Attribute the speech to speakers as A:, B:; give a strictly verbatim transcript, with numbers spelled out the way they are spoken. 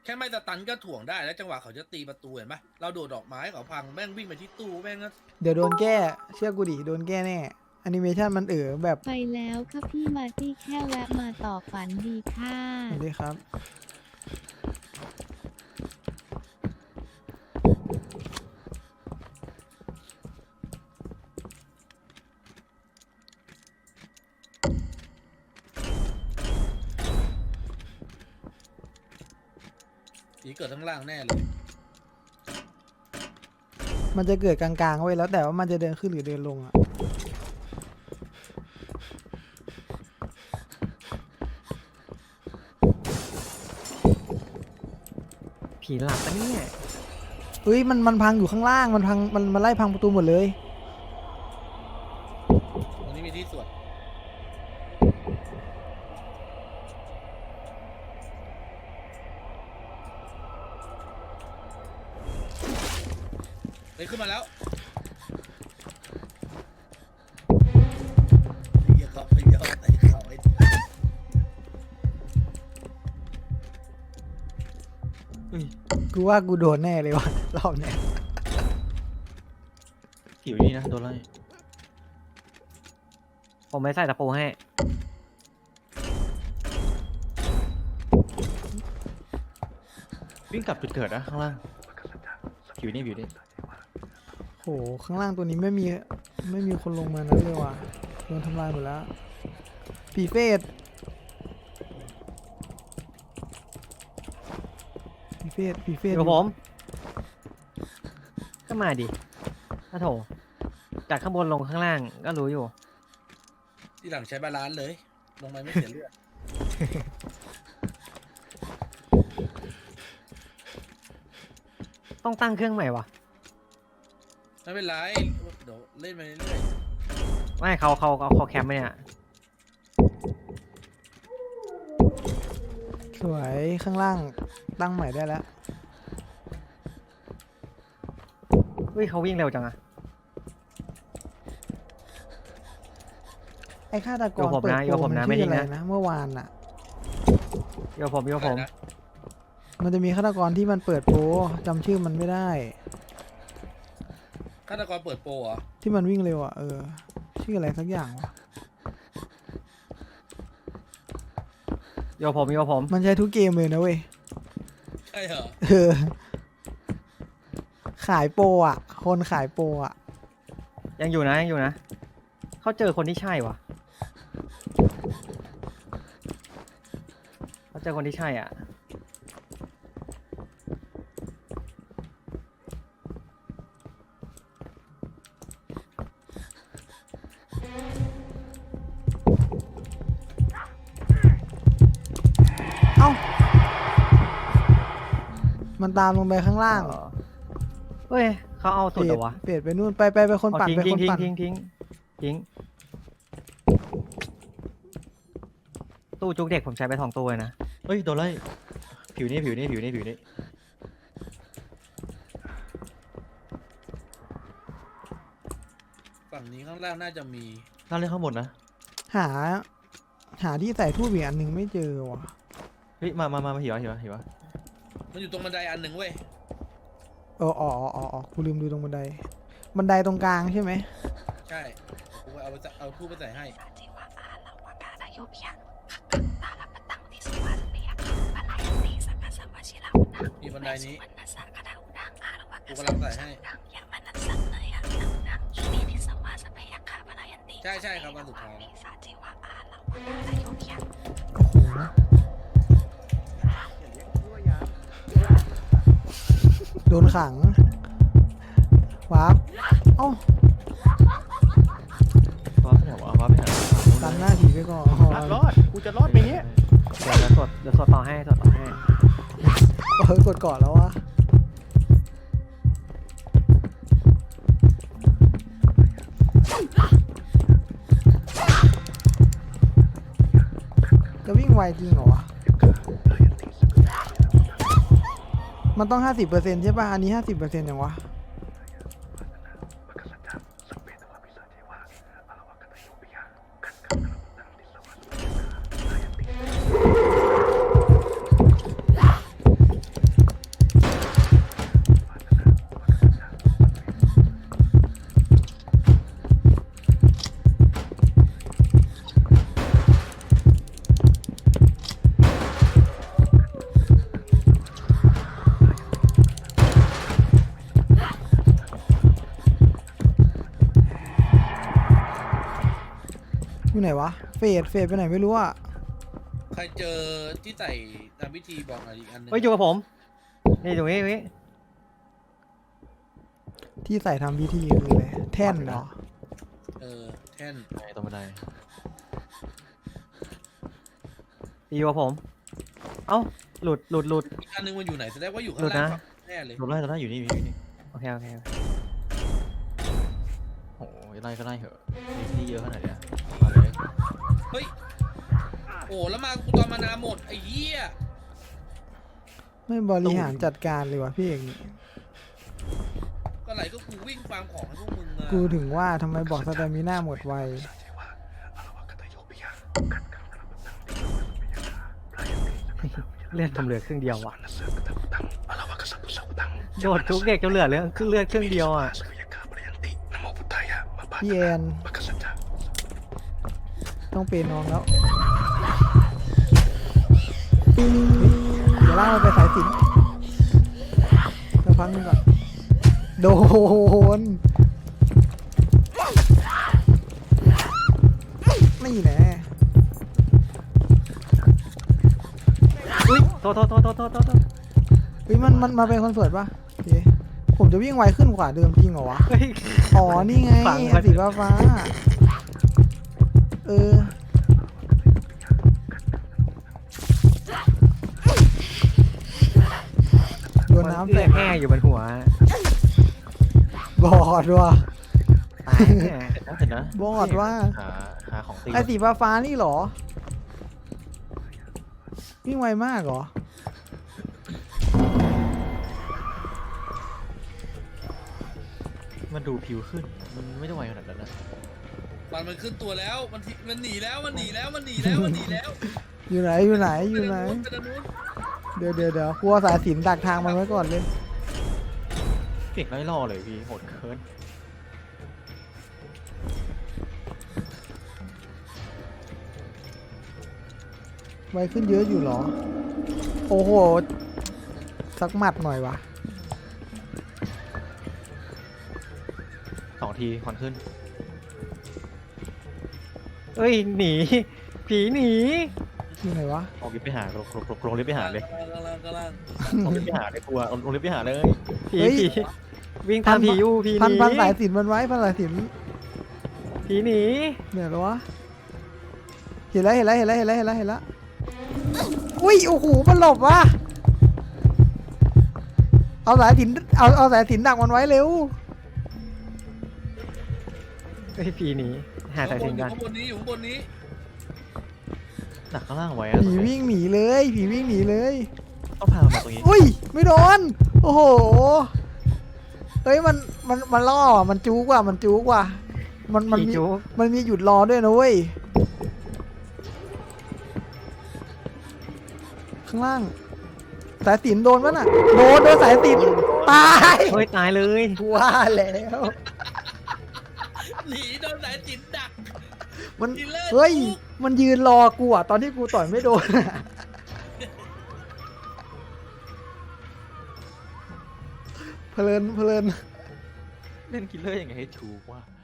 A: แค่ไม่สตันก็ถ่วงได้แล้วจังหวะเขาจะตีประตูเห็นปะเราโดดดอกไม้เขาพังแม่งวิ่งไปที่ตู้แม่งก็
B: เดี๋ยวโดนแก้เชื่อกูดิโดนแก้แน่แอนิเมชันมันเอ๋อแบบ
C: ไปแล้วค่ะพี่มาร์ตี้แค่แวะมาต่อฝันดีค่ะ
B: สวัสดีครับ
A: สีเกิดทั้งล่างแน่เลย
B: มันจะเกิดกลางๆไว้แล้วแต่ว่ามันจะเดินขึ้นหรือเดินลงอะ
D: ผีหลับปะเนี่ย
B: เฮ้ยมันมันพังอยู่ข้างล่างมันพังมันมันไล่พังประตูหมดเลย
A: ตรงนี้มีที่สวดเฮ้ยขึ้นมาแล้วเหี้ยเขาไปเยอะไอ้เขาไอ้
B: กูว่ากูโดนแน่เลยว่ะรอบเนี้ย
E: อยู่นี่นะโดนไล่
D: ผมไม่ใส่ตะปูให้
E: วิ่งกลับจุดเกิดนะข้างล่างอยู่นี่อยู่นี่
B: โหข้างล่างตัวนี้ไม่มีไม่มีคนลงมานั้นเลยว่ะโดนทำลายหมดแล้วผีเฟสผีเฟสผีเฟ
D: อ
B: ส
D: ยู่กับผม ก็มาดิถ้าโถ จากข้างบนลงข้างล่างก็รู้อยู่
A: ที่หลังใช้บาลานซ์เลยลงไปไม่เสียเลือด
D: ต้องตั้งเครื่องใหม่วะ
A: ไม่เป็นไรเดี๋ยวเล่นไปเรื่อย
D: ไม่เขาเขาเขาเขาแคมป์ไหมเนี่ย
B: สวยข้างล่างตั้งใหม่ได้แล้ว
D: เฮ้ยเขาวิ่งเร็วจังอะ
B: ไอ้ฆาตก
D: โย
B: ร
D: ผม
B: เปิด
D: นะโย
B: โป
D: ผม
B: มัน
D: นะ
B: ชื่
D: ไม่
B: อ
D: นิ่
B: อะ
D: ง
B: ไร
D: นะ
B: นะเมื่อวานอะ
D: โยผมโย
A: ๆ
D: ผม
A: อะไรนะ
B: มันจะมีฆาตกรที่มันเปิดโปรจำชื่อมันไม่ได้
A: ฆาตกรเปิดโปรเหรอ
B: ที่มันวิ่งเร็วอ่ะเออชื่ออะไรสักอย่างวะ
D: โยผมโยผม
B: มันใช้ทุกเกมเลยนะเว้ย
A: ใช่เหรอ
B: เออขายโปรอ่ะ คนขายโปรอ่ะ
D: ยังอยู่นะยังอยู่นะเขาเจอคนที่ใช่วะเขาเจอคนที่ใช่อ่ะ
B: เอ้ามันตามลงไปข้างล่าง
D: เฮ้ยเขาเอาสุดเหรอวะ
B: เปลี่ยนไปนู่นไปไปไปคน
D: เอา
B: ปั่น
D: ทิ้ง
B: ไป
D: ทิ้
B: ค
D: ง
B: น
D: ทิ้ง
B: ปั่น
D: ทิ้งทิ้งทิ้งตู้จุกเด็กผมใช้ไปสองตัวเลยนะ
E: เฮ้ยโดนไล่ผิวนี่ผิวนี่ผิวนี่ผิวนี่
A: ฝั่งนี้ข้างล่างน่าจะมี
E: น่าเล่นข้างบนนะ
B: หา หาที่ใส่ทูบอีกอันหนึ่งไม่เจอว่ะ
E: เฮ้ยมามามามาหิวะหิวะหิวะ
A: มันอยู่ตรงบันไดอันหนึ่งเว้ย
B: เอออ๋ออ๋ออ๋ออ๋อกูลืมดูตรงบันได บันไดตรงกลางใช่ไหม
A: ใช่กูเอาไปเอาทูบไปใส่ให้มีบันไดนี้กูกำลังใส่ให้ใช่ใช่ครับวันสุดท้าย
B: โอ้โหโดนขังวาร์ปเอ้า
E: ว้าไปไหนวะว้าไปไหน
B: ตันหน้าผีไปก่อน
F: รอด กูจะรอดไหมเนี่ย
D: เดี๋ยวเดี๋ยวสดเดี๋ยวสดต่อให้สดต่อให้
B: เออกดก่อนแล้ววะจะวิ่งไวจริงเหรอวะ มันต้องห้าสิบเปอร์เซ็นต์ใช่ป่ะ อันนี้ห้าสิบเปอร์เซ็นต์ยังวะไหนวะเฟดเฟดไปไหนไม่รู้อ่ะ
A: ใครเจอที่ใส่ทำพิธีบอกหน่อยอีกอันหนึง
D: เฮ้ยอยู่กับผมนี่ตรงนี้ตรงนี้
B: ที่ใส่ทำพิธีคืออะไรแท่นเหรอ
A: เออแท่น
E: ไอ้ตรงบันได
D: อยู่กับผม เอ้าหลุดหลุดหลุด
A: อีกอันหนึงมันอยู่ไหนแสดงว่าอยู่ข้า
D: หลุ
A: ง
D: ด
A: ล่าง
D: นะ
A: แน่เลย
E: หลบไล่ตรงนั้นอยู่นี่อยู่นี่
D: โอเคโอเคโอเค
E: โอ้ยไล่ก็ไล่เหอะมีที่เยอะขนาดเนี้ยมาเลย
A: เฮ้ยโอ้แล้วมากูตอนมานาหมดไอ้เหี้ย
B: ไม่บริหารจัดการเลยวะพี่เอกนี่
A: ก็ไหลก็กูวิ่งฟาร์มของให้พวกมึงอะ
B: กูถึงว่าทำไมบอกสเตมิน่าหมดไว
D: เลือดทำเหลือครึ่งเดียวว่ะโดดทุกเด็กจนเหลือเลือดครึ่งเลือดครึ่งเดียวอ่ะ
B: พี่แอนต้องเป็นน้องแล้วเฮ้ยเดี๋ยวล่ากมันไปสายสิญจนเดี๋ยวพักนึงก่อนโดนไม่แน่
D: อุ้ยโทษโทษโทษโทษโทษโทษ
B: เฮ้ยมันมันมาเป็นคอนเสิร์ตป่ะโอเคผมจะวิ่งไวขึ้นกว่าเดิมจริงเหรอวะ
D: เฮ้ย
B: อ๋อ นี่ไง
D: ฟัง
B: อันสีฟ้าฟ้าเออ โดนน้ำ
D: เลื
B: แต
D: อก ดแห้อยู่บนหัว
B: บอดว่ะ
D: ตายแน่
E: เสร็จนะเสร็จนะ
B: บอดว่า
E: หาหาของตี
B: ไอสีฟ้าฟ้านี่เหรอ วิ่งไวมากเหรอ
E: มันดูผิวขึ้น มันไม่ได้ไวขนาดนั้นนะ
A: มันมันขึ้นตัวแล้วมันทิมันหนีแล้วมันหนีแล้วมันหนีแล้วมันหนีแล้ว
B: อยู่ไหน อยู่ไหน อยู่ไหน
A: ไปทางนู้น
B: เดี๋ยวเดี๋ยวเดี๋ยวกลัวสายสิญจนดักทางมันไว้ก่อนเลย
E: เก่งไล่ล่อเลยพี่โหดเคิน
B: ไวขึ้นเยอะอยู่เหรอ โอ้โห สักหมัดหน่อยวะ
E: สองทีควันขึ้น
D: เอ้ยหนีผีหนี
B: อยู่ไหนวะ
E: เอาลิฟต์ไปหาลงลงลงลงลิฟต์ไปหาเลย
A: กำลังกำลัง
E: ลงลิฟต์ไปหาเลยกลัวลงลิฟต์ไปหาเลย
D: ผี
B: เฮ้ย
D: ผีวิ่งตามผีอยู่ผีห
B: พัน
D: นี
B: พันสายสิญจนมันไว้พันสายสิญจน
D: ผีหนี
B: เดี๋ยวแล้ววะ เห็นแล้วเห็นแล้วเห็นแล้วเห็นแล้วเห็นแล้วเห็นแล้วอุ้ยโอ้โหมันหลบวะเอาสายสิญจนเอาเอาสายสิญจนดักมันไว้เร็ว
D: เฮ้ยผีหนีหาสายสิญจนกัน
A: ข้างบนนี้อยู่ข้างบนนี้
E: หนักข้างล่างไว้อะ
B: ผีวิ่งหนีเลยผีวิ่งหนีเลย
E: ต้องพามันมาตรงนี้
B: อุ้ยไม่โดนโอ้โหเฮ้ยมันมันมันล่อว่ะมันจู๊กว่ะมันจู๊กว่ะมันมัน
D: ผี
B: มี
D: จุก
B: มันมีหยุดรอด้วยนะเว้ยข้างล่างสายสิญจนโดนปะน่ะโดนโดนสายสิญจนตาย
D: เฮ้ยตายเลย
B: กูว่าแล้ว
A: หนีโดนสายจิตดัก
B: มัน
A: กินเลิศ
B: เฮ้ย
A: จุก
B: มันยืนรอกูอ่ะตอนที่กูต่อยไม่โดนอะเพลินเพลิน
E: เล่นคิลเลอร์ยังไงให้ถูกว่า